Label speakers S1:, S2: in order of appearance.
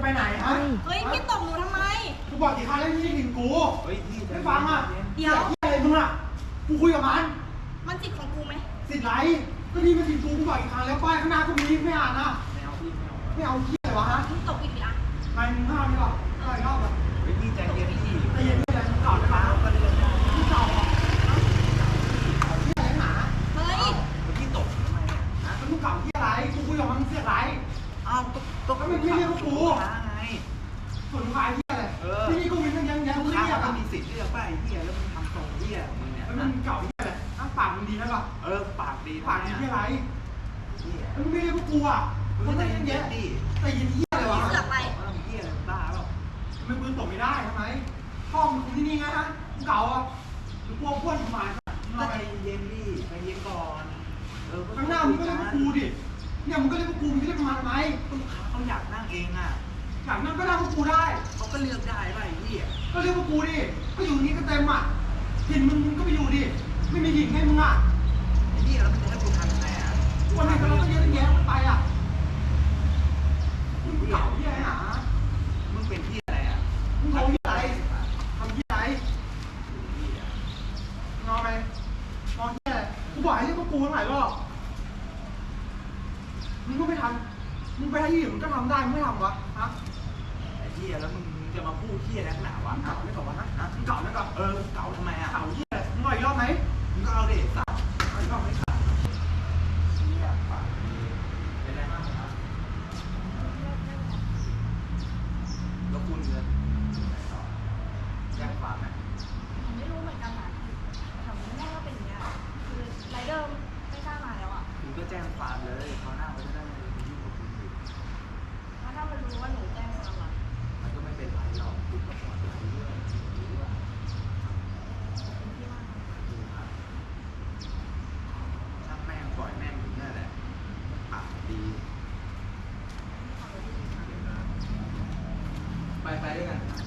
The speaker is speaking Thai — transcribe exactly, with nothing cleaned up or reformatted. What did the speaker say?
S1: ไปไหนฮะ
S2: เฮ้ยพี่ตบหนูทำไม
S1: กูบอกกี่ครั้งแล้วที่หินกู
S3: เฮ้ยพี่
S1: ไม่ฟังอ่ะ
S2: เดี๋ยว
S1: อะไรมึงอ่ะกูคุยกับมัน
S2: มันสิทธิ์ของกูไหม
S1: สิทธิ์ไรก็นี่มันสิทธิ์กูกูบอกกี่ครั้งแล้วป้ายข้างหน้าก็มีไม่อ่านนะ
S3: ไม่เอาพี่ไม่เอา
S1: ไม่เอาที่อะไรวะฮะ
S2: มึงตบอีกอ่ะ
S1: นายมึงห้ามดีกว่าอะไรรอบอ่ะ
S3: เฮ้ยพี่ใจเย็นพี่
S1: ใจเย็นไม่ได้เก่าได้ไหม
S3: ก็เรื่อง
S1: ที่เก่าอ่ะที่อะไรหนา
S2: เฮ้ย
S3: พี่ตกทำไมเนี่ยฮะ
S1: มันมึงเก่าที่อะไรกูคุยกับมันเสียไร
S3: อ้าวตกตก
S1: มันไม่เรียกกู
S3: ไง
S1: ส่วนลูกค้าที่อะไรที่นี่กูมีทั้งยังยัง
S3: ลูก
S1: เรี
S3: ค้าย
S1: กอ่ะ
S3: มีสิทธิ์เลือกป่ะไอ้เหี้ยแล้วมึงทำตรงเหี้ยมึงเนี่ย
S1: แล้วมึงเก่าที่อะไรอ้างปากมึงดีนะป่ะ
S3: เออปากดี
S1: ปากดีที่อะไร
S3: เหี้ย
S1: แล้วมึงไม่เรียกกูอ่ะมึงไม่ยังแย่แต่ยินที่อะไรวะ
S2: เสือกไป
S3: เหี้ยอะไรบ้าเปล่า
S1: มึงปืนตกไม่ได้ทำไมพ่อมึงที่นี่ไงฮะมึงเก่าอ่ะหรือพวกพวกหมาย
S3: ก็ใจเย็นดิใจเย็นก่อนเออ
S1: ข้างหน้ามึงก็เรียกกูดิเนี่ยมึงก็เรียกกูมึงจะเรียกมาทำไม
S3: ลูกค้าเขาอยากนั่งเองอ่ะ
S1: อยากนั่งก็นั่งกูได้
S3: เขาก็เลือกได้ป่ะไอ้เหี้ย
S1: ก็เรียกกูดิก็อยู่นี้ก็เต็มอ่ะหินมึงมึงก็ไปอยู่ดิไม่มีหินไงมึงอ่ะ
S3: ไอ้เหี้ยแล้วมึงจะให้กูทำยังไงอ่ะ
S1: วันนี้เราก็เยอะแยะไปอ่ะมึงเก่าที่ไหนหา
S3: มึงเป็นที่อะไรอ่ะ
S1: มึงโทรที่ไหนทำที่ไหนงอไปงอที่ไหนกูบอกให้เรียกกูทั้งหลายรอบมึงก็ไม่ทำมึงไปให้ที่อื่นมึงก็ทำได้มึงไม่ทำวะฮะ
S3: ไอ้เหี้ยแล้วมึงจะมาพูดเหี้ยนักหนาวะ
S1: เก่าไม่เก่าวะฮะมึงเก่าไม่เก่า
S3: เออเก่าทำไมอ่ะ
S1: เก่าที่ไหนมึงรออีกรอบไหม
S3: มึงก็เอาดิสัตว์
S1: เอาอีกรอบไหมครับ
S3: เหี้ยปากดีเป็นไรบ้างครับแล้วคุณเงินแจ้งความไหม
S2: ผมไม่รู้เหมือนกันนะแถวนี้แม่ก็เป็นอย่างเงี้ยคือไรเดอร์ไม่กล้ามาแล้วอ่ะ
S3: คุณก็แจ้งความเลยเขาหน้าเขาจะได้ไม่ไปยุ่งกับคุณอีก
S2: แล้วถ้ามันรู้ว่าหนูแจ้งความอ่ะ
S3: มันก็ไม่เป็นไรหรอกคุณก็ปลอดภัยด้วยรู้ว่าช่างแม่งปล่อยแม่งอยู่นี่แหละปากดีไปไปด้วยกัน